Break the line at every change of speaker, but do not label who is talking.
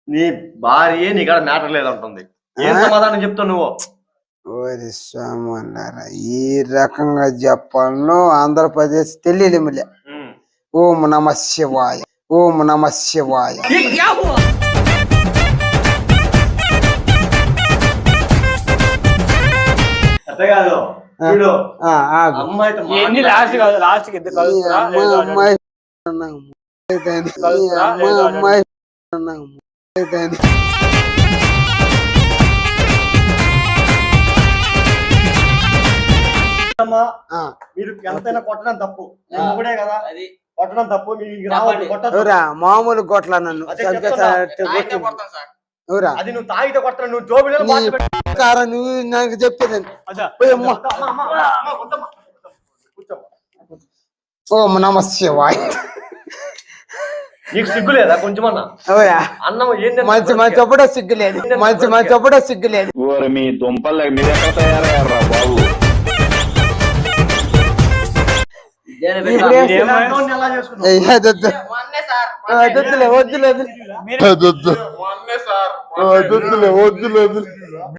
నీ భార్య నీకాడ మ్యాటర్ లేదంటుంది. ఏం సమాధానం చెప్తావు నువ్వు?
ఓరి స్వామి, ఈ రకంగా చెప్పాలను ఆంధ్రప్రదేశ్ తెలియలేములే. ఓం నమ శివాయ, ఓం నమ శివాయ.
కాదు అమ్మాయి మీరు ఎంతైనా కొట్టడం తప్పు కదా, కొట్టడం తప్పు.
మామూలు కొట్ల నన్ను
అది నువ్వు తాగితే కొట్ట, నువ్వు జోబిలో
నువ్వు నాకు చెప్పేదాన్ని. ఓం నమ శివాయ.
నీకు సిగ్గు లేదా కొంచెమన్నా? అన్నం ఏంటి
మంచి మంచి ఒప్పుడో సిగ్గులేదు, మంచి మంచి ఒప్పుడో సిగ్గులేదు.
మీ దుంపలు మీరు ఎక్కడ తయారయ్యారా బాబు?
వద్దులే వద్దులేదు.